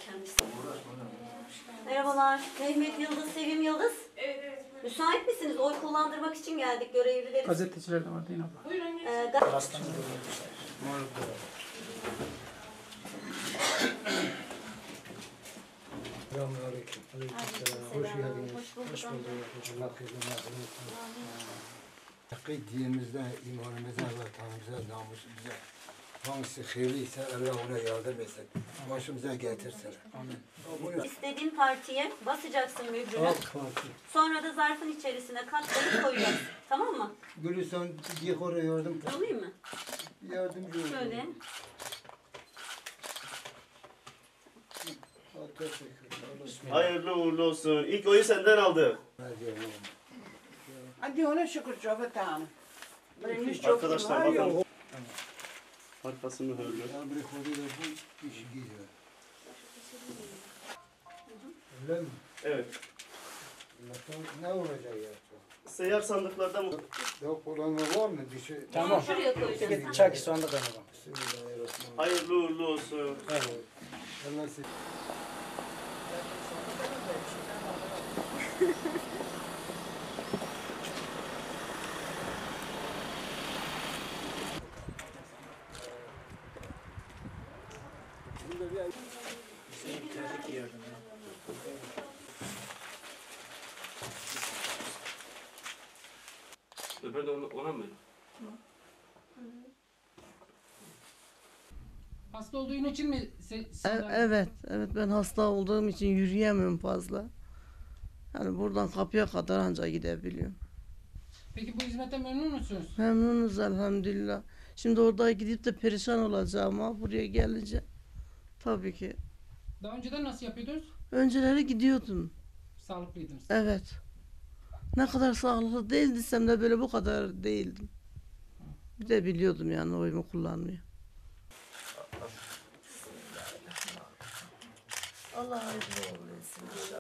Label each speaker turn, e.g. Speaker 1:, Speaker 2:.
Speaker 1: kendisi. Merhabalar. Mehmet Yıldız, Sevim Yıldız.
Speaker 2: Evet evet. Buyurun.
Speaker 1: Müsait misiniz? Oy kullandırmak için geldik görevlileri.
Speaker 3: Gazeteciler de var değil mi abla?
Speaker 2: Buyurun.
Speaker 4: Selamünaleyküm. Aleykümselam. Hoş geldiniz.
Speaker 1: Hoş bulduk.
Speaker 4: Allah kızım Hakkı dinimizde, imanımıza, vatanımıza, namusumuza hangisi hayırlıysa Allah ona yardım etsin. Başımıza getirsin. Amin.
Speaker 1: İstediğin partiye basacaksın mührünü.
Speaker 4: AK Parti.
Speaker 1: Sonra da zarfın içerisine katlayıp koyacaksın. Tamam mı?
Speaker 4: Gülistan Diyekora yardım.
Speaker 1: Alayım mı?
Speaker 4: Yardımcı olun.
Speaker 1: Şöyle.
Speaker 5: Hayırlı uğurlu olsun. İlk oyu senden aldı.
Speaker 2: Hadi ona şükür çok tamam. Birinci çok
Speaker 5: Arkadaşlar bakın. Arkası mühürlü.
Speaker 4: Bir koduyla bu işi gidiyor. Öyle mi?
Speaker 5: Evet.
Speaker 4: Ne olacak ya?
Speaker 5: Seyyar sandıklarda mı?
Speaker 4: Yok olan var mı? Bir şey.
Speaker 3: Tamam.
Speaker 1: Şuraya koyacaksın.
Speaker 3: Çak sonunda kaynama.
Speaker 4: Bismillahirrahmanirrahim.
Speaker 5: Hayırlı uğurlu olsun.
Speaker 4: Allah sizi.
Speaker 5: Öbür de ona mı?
Speaker 3: Hasta olduğun için mi?
Speaker 6: Evet, ben hasta olduğum için yürüyemiyorum fazla. Yani buradan kapıya kadar ancak gidebiliyorum.
Speaker 3: Peki bu hizmete memnun musunuz?
Speaker 6: Memnunuz elhamdülillah. Şimdi orada gidip de perişan olacağım ama buraya gelince tabii ki.
Speaker 3: Daha önceden nasıl yapıyordunuz?
Speaker 6: Önceleri gidiyordum.
Speaker 3: Sağlıklıydınız.
Speaker 6: Evet. Ne kadar sağlıklı değildiysem de böyle bu kadar değildim. Bir de biliyordum yani oyumu kullanmayı. Allah hayırlı uğurlu etsin inşallah.